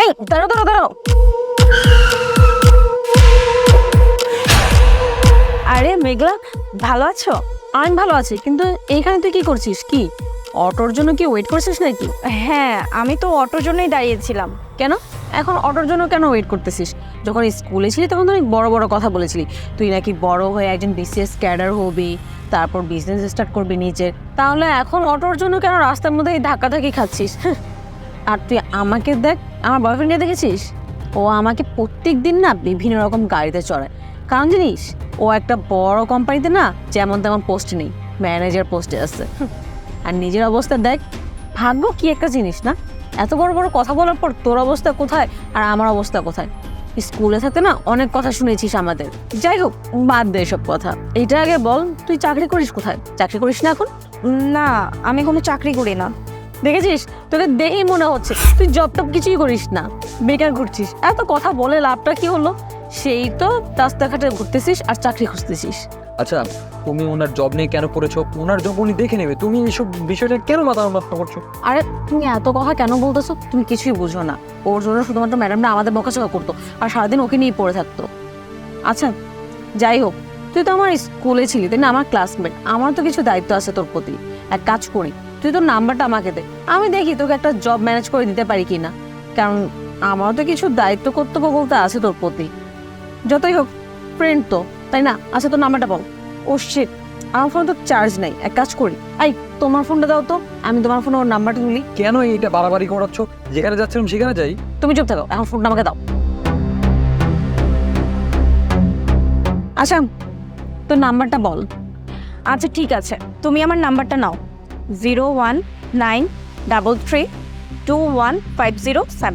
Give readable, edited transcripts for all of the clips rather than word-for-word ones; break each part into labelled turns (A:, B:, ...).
A: এই দাঁড়াও দাঁড়াও দাঁড়াও। আরে মেঘলা, ভালো আছো? আমি ভালো আছি, কিন্তু এইখানে তুই কি করছিস? কি অটোর জন্য কি ওয়েট করছিস নাকি?
B: হ্যাঁ, আমি তো অটোর জন্যই দাঁড়িয়েছিলাম।
A: কেন এখন অটোর জন্য কেন ওয়েট করতেছিস? যখন স্কুলে ছিলি তখন তো অনেক বড় বড় কথা বলেছিলি, তুই নাকি বড় হয়ে একজন বিসিএস ক্যাডার হবি, তারপর বিজনেস স্টার্ট করবি নিজের। তাহলে এখন অটোর জন্য কেন রাস্তার মধ্যে এই ধাক্কাধাক্কি খাচ্ছিস? আর তুই আমাকে দেখ, আমার বয়ফ্রেন্ডকে দেখেছিস? ও আমাকে প্রত্যেক দিন না বিভিন্ন রকম গাড়িতে চড়ায়। কারণ জানিস, ও একটা বড় কোম্পানিতে না যেমন তেমন পোস্টে নেই, ম্যানেজার পোস্টে আছে। আর নিজের অবস্থা দেখ, ভাগ্য কি একটা জিনিস না? এত বড় বড় কথা বলার পর তোর অবস্থা কোথায় আর আমার অবস্থা কোথায়? স্কুলে থাকতে না অনেক কথা শুনেছিস আমাদের। যাই হোক, বাদ দে এসব কথা। এইটা আগে বল, তুই চাকরি করিস কোথায়? চাকরি করিস না এখন?
B: না, আমি কোনো চাকরি করি না।
A: দেখেছিস, তোকে দেখেই মনে হচ্ছে তুই জব টব কিছুই করিস না, বেকার ঘুরছিস। এত কথা বলে লাভটা কি হলো? সেই তো রাস্তাঘাটে ঘুরতেছিস আর চাকরি খুঁজতেছিস।
C: আচ্ছা, তুমি ওনার জব নিয়ে কেন করেছো? ওনার জব উনি দেখে নেবে, তুমি এইসব বিষয়টা কেন মাথা নষ্ট করছো?
A: আরে তুমি এত কথা কেন বলতেছো? তুমি কিছুই বুঝো না। ওর জন্য শুধুমাত্র ম্যাডামরা আমাদের বকাঝকা করতো আর সারাদিন ওকে নিয়ে পড়ে থাকতো। আচ্ছা যাই হোক, তুই তো আমার স্কুলে ছিলি তাই না, আমার ক্লাসমেট। আমার তো কিছু দায়িত্ব আছে তোর প্রতি। এক কাজ করি, তুই তোর নাম্বারটা আমাকে দে, আমি দেখি তোকে একটা জব ম্যানেজ করে দিতে পারি কি না। কারণ আমারও তো কিছু দায়িত্ব কর্তব্য বলতে আছে তোর প্রতি। যতই হোক ফ্রেন্ড তো, তাই না? আচ্ছা তোর নাম্বারটা বল। ও শিট, আমার ফোনে তো চার্জ নাই। এক কাজ করি, আই তোমার ফোনটা দাও তো, আমি তোমার ফোনে ওর নাম্বারটা তুলি।
C: কেন এইটা বাড়াবাড়ি করাচ্ছ? যেখানে যাচ্ছিলাম সেখানে যাই।
A: তুমি চুপ থাকো, এখন ফোনটা আমাকে দাও। আচ্ছা তোর নাম্বারটা বল।
B: আচ্ছা ঠিক আছে, তুমি আমার নাম্বারটা নাও। 01933215007।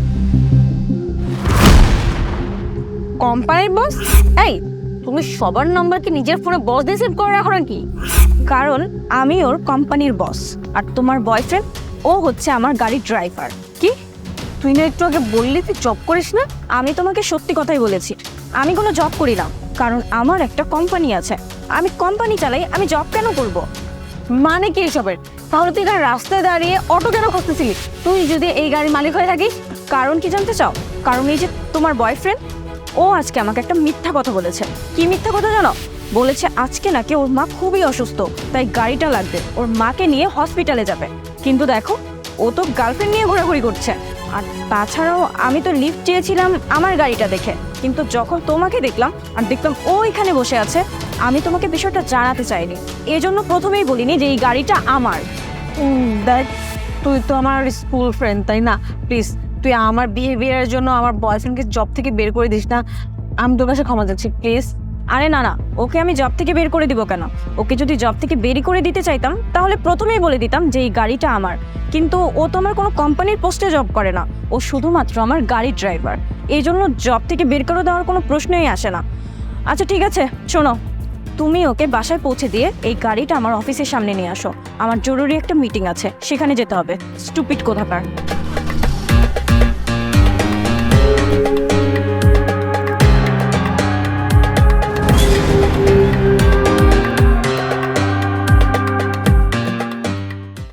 A: কোম্পানির বস? এই তুমি সবার নাম্বার কি নিজের ফোনে বস দিয়ে সেভ করে রাখো নাকি?
B: কারণ আমি ওর কোম্পানির বস, আর তোমার বয়ফ্রেন্ড ও হচ্ছে আমার গাড়ির ড্রাইভার।
A: কি তুই না একটু আগে বললি তুই জব করিস না?
B: আমি তোমাকে সত্যি কথাই বলেছি, আমি কোনো জব করি না। কারণ আমার একটা কোম্পানি আছে, আমি কোম্পানি চালাই, আমি জব কেন করব?
A: মানে কি এসবের? তাহলে তুই এখানে রাস্তায় দাঁড়িয়ে অটো কেন খুঁজতেছিলি? তুই যদি এই গাড়ির মালিক হয়ে থাকিস?
B: কারণ কি জানতে চাও? কারণ এই যে তোমার বয়ফ্রেন্ড, ও আজকে আমাকে একটা মিথ্যা কথা বলেছে। কি মিথ্যা কথা জানো? বলেছে আজকে নাকি ওর মা খুবই অসুস্থ, তাই গাড়িটা লাগবে, ওর মাকে নিয়ে হসপিটালে যাবে। কিন্তু দেখো, ও তো গার্লফ্রেন্ড নিয়ে ঘোরাঘুরি করছে। আর তাছাড়াও আমি তো লিফট চেয়েছিলাম আমার গাড়িটা দেখে, কিন্তু যখন তোমাকে দেখলাম আর দেখলাম ও এখানে বসে আছে, আমি তোমাকে বিষয়টা জানাতে চাইনি। এজন্য প্রথমেই বলিনি যে এই গাড়িটা আমার।
A: দেখ, তুই তো আমার স্কুল ফ্রেন্ড তাই না? প্লিজ তুই আমার বিহেভিয়ারের জন্য আমার বয়ফ্রেন্ডকে জব থেকে বের করে দিস না। আমি তোর কাছে ক্ষমা চাচ্ছি, প্লিজ।
B: আরে না না, ওকে আমি জব থেকে বের করে দিব কেন? ওকে যদি জব থেকে বের করে দিতে চাইতাম তাহলে প্রথমেই বলে দিতাম যে এই গাড়িটা আমার। কিন্তু ও তো আমার কোনো কোম্পানির পোস্টে জব করে না, ও শুধুমাত্র আমার গাড়ির ড্রাইভার। এই জন্য জব থেকে বের করে দেওয়ার কোনো প্রশ্নই আসে না। আচ্ছা ঠিক আছে, শোনো, তুমি ওকে বাসায় পৌঁছে দিয়ে এই গাড়িটা আমার অফিসের সামনে নিয়ে আসো। আমার জরুরি একটা মিটিং আছে, সেখানে যেতে হবে। স্টুপিড কোথাকার।